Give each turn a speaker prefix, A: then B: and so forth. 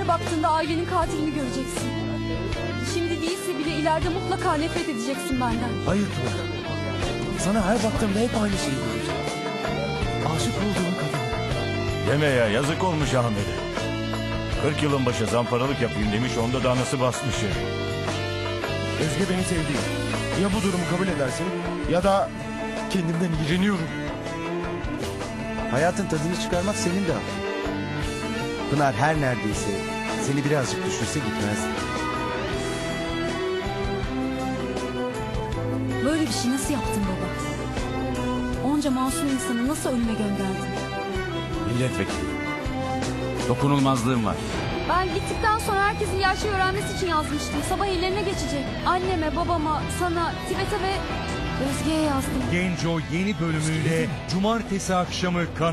A: her baktığında ailenin katilini göreceksin. Şimdi değilse bile ileride mutlaka nefret edeceksin benden.
B: Hayır Pınar. Sana her baktığımda hep aynı şeyi göreceğim. Aşık olduğum kadın.
C: Deme ya, yazık olmuş Ahmet'e. 40 yılın başı zamparalık yapayım demiş, onda da anası basmış ya.
B: Özge beni sevdi. Ya bu durumu kabul edersin ya da kendimden iğreniyorum.
D: Hayatın tadını çıkarmak senin de hakkın. Pınar her neredeyse seni birazcık düşünse gitmezdi.
A: Böyle bir şey nasıl yaptın baba? Onca masum insanı nasıl ölüme gönderdin?
E: Milletvekili. Dokunulmazlığım var.
A: Ben gittikten sonra herkesin gerçeği öğrenmesi için yazmıştım. Sabah ellerine geçecek. Anneme, babama, sana, Tibet'e ve Özge'ye yazdım.
F: Genco yeni bölümüyle cumartesi akşamı